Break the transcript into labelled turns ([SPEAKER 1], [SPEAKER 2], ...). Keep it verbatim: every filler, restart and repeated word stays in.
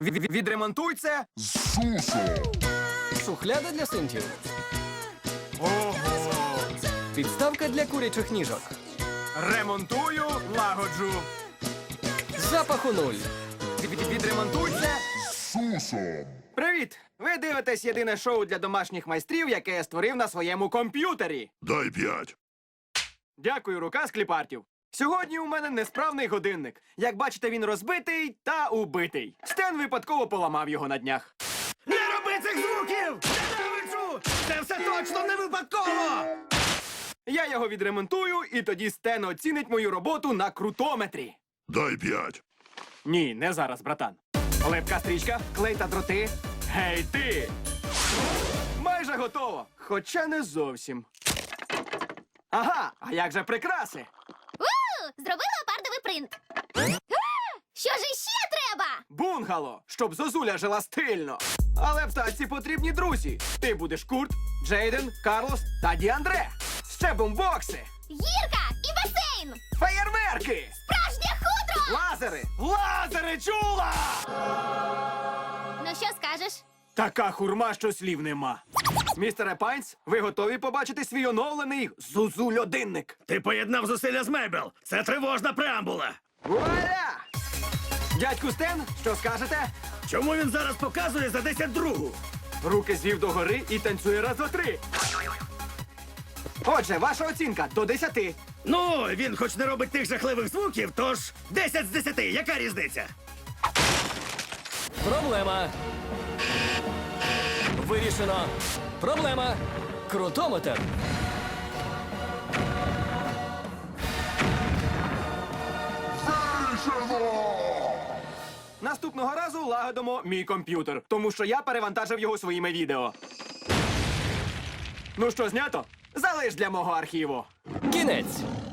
[SPEAKER 1] Від- Відремонтуй це.
[SPEAKER 2] Шухляда для синтів.
[SPEAKER 1] Ого!
[SPEAKER 2] Підставка для курячих ніжок.
[SPEAKER 1] Ремонтую, лагоджу.
[SPEAKER 2] Запаху нуль.
[SPEAKER 1] Від- Відремонтуй це. Привіт! Ви дивитесь єдине шоу для домашніх майстрів, яке я створив на своєму комп'ютері.
[SPEAKER 3] Дай п'ять.
[SPEAKER 1] Дякую, рука з кліпартів. Сьогодні у мене несправний годинник. Як бачите, він розбитий та убитий. Стен випадково поламав його на днях. Не роби цих звуків! Ненавиджу! Це все точно не випадково! Я його відремонтую, і тоді Стен оцінить мою роботу на крутометрі.
[SPEAKER 3] Дай п'ять.
[SPEAKER 1] Ні, не зараз, братан. Липка стрічка, клей та дроти. Гей ти! Майже готово, хоча не зовсім. Ага, а як же прикраси?
[SPEAKER 4] У, зроби леопардовий принт. А, що ж іще треба?
[SPEAKER 1] Бунгало, щоб Зозуля жила стильно. Але птаці потрібні друзі. Ти будеш Курт, Джейден, Карлос та Діандре. Ще бомбокси,
[SPEAKER 4] Гірка і басейн.
[SPEAKER 1] феєрверки,
[SPEAKER 4] Справжнє хутро.
[SPEAKER 1] лазери. Лазери чула!
[SPEAKER 4] Ну що скажеш?
[SPEAKER 1] Така хурма, що слів нема. Містере Пайнс, ви готові побачити свій оновлений Зузуль-одинник?
[SPEAKER 5] Ти поєднав зусилля з Мейбл. Це тривожна преамбула.
[SPEAKER 1] Вуаля! Дядьку Стен, що скажете?
[SPEAKER 5] Чому він зараз показує за десять другу?
[SPEAKER 1] Руки звів догори і танцює раз, два, три. Отже, ваша оцінка до десяти.
[SPEAKER 5] Ну, він хоч не робить тих жахливих звуків, тож десять з десяти. Яка різниця?
[SPEAKER 2] Проблема. Вирішено. Проблема. Крутометр.
[SPEAKER 1] Наступного разу лагодимо мій комп'ютер, тому що я перевантажив його своїми відео. Ну що, знято? Залиш для мого архіву.
[SPEAKER 2] Кінець.